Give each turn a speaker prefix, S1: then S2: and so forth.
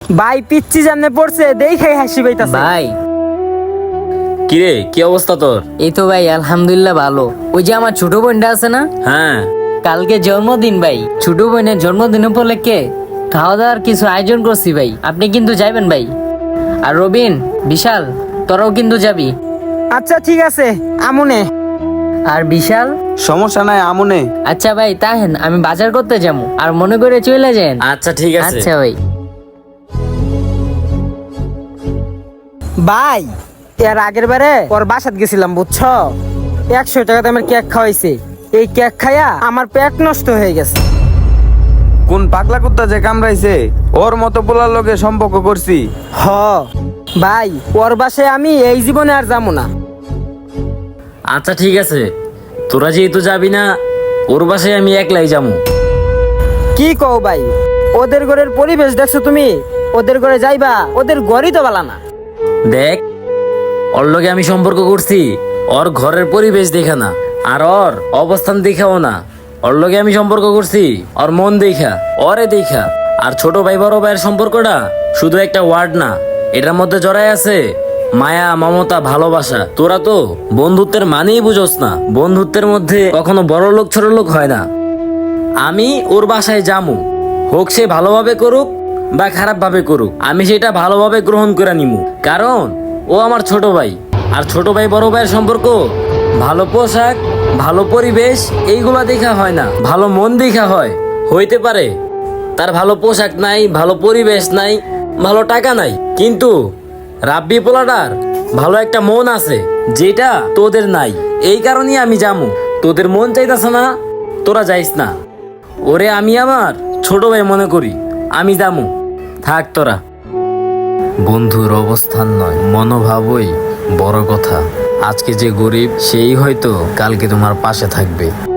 S1: ভাই পিচ্ছি জামনে পড়ছে দেখে হাসি পাইতাছে।
S2: ভাই
S3: কিরে কি অবস্থা তোর?
S2: এই তো ভাই আলহামদুলিল্লাহ ভালো। ওই যে আমার ছোট বোনটা আছে না,
S3: হ্যাঁ
S2: কালকে জন্মদিন ভাই। ছোট বোনের জন্মদিন উপলক্ষে খাওয়া দাওয়ার কিছু আয়োজন করছি ভাই, আপনি কিন্তু যাবেন ভাই। আর রবিন, বিশাল, তোরাও কিন্তু যাবি।
S1: আচ্ছা ঠিক আছে আমুনে।
S2: আর বিশাল,
S4: সমস্যা নাই আমনে।
S2: আচ্ছা ভাই তাহেন আমি বাজার করতে যাবো, আর মনে করে চলে যান।
S3: আচ্ছা ঠিক আছে।
S2: আচ্ছা ভাই।
S1: ভাই এর আগের বারে ওর বাসাত গেছিলাম বুঝছো, 100 টাকা দামের কেক খাওয়াইছে। এই কেক খাইয়া আমার পেট নষ্ট হয়ে গেছে।
S4: কোন পাগলা কুত্তা যে কামড়াইছে, ওর মতো পোলার লগে সম্পর্ক করছি।
S1: হ ভাই, ওর বাসায় আমি এই জীবনে আর যাবো না।
S3: আচ্ছা ঠিক আছে, তোরা যেহেতু যাবি না, ওর বাসায় আমি একলাই যাবো।
S1: কি কও ভাই, ওদের ঘরের পরিবেশ দেখছো তুমি? ওদের ঘরে যাইবা, ওদের ঘরই তো বালা না।
S3: দেখ, ওর লগে আমি সম্পর্ক করছি, ওর ঘরের পরিবেশ দেখা না, আর ওর অবস্থান দেখাও না। ওর লগে আমি সম্পর্ক করছি ওর মন দেখা, ওরে দেখা। আর ছোট ভাই বড় ভাইয়ের সম্পর্কটা শুধু একটা ওয়ার্ড না, এটার মধ্যে জড়ায় আছে মায়া, মমতা, ভালোবাসা। তোরা তো বন্ধুত্বের মানেই বুঝোস না। বন্ধুত্বের মধ্যে কখনো বড় লোক ছোট লোক হয় না। আমি ওর বাসায় যামু, হোক সে ভালোভাবে করুক বা খারাপ ভাবে করুক, আমি সেটা ভালোভাবে গ্রহণ করে নিমু। কারণ ও আমার ছোট ভাই, আর ছোট ভাই বড় ভাইয়ের সম্পর্ক ভালো পোশাক, ভালো পরিবেশ এইগুলা দেখা হয় না, ভালো মন দেখা হয়। হইতে পারে তার ভালো পোশাক নাই, ভালো পরিবেশ নাই, ভালো টাকা নাই, কিন্তু রাব্বি পোলাটার ভালো একটা মন আছে, যেটা তোদের নাই। এই কারণেই আমি যামু। তোদের মন চাইতাছে না, তোরা যাইস না। ওরে আমি আমার ছোট ভাই মনে করি, আমি যামু। থাক তোরা। বন্ধুর অবস্থান নয়, মনোভাবই বড় কথা। আজকে যে গরিব, সেই হয়তো কালকে তোমার পাশে থাকবে।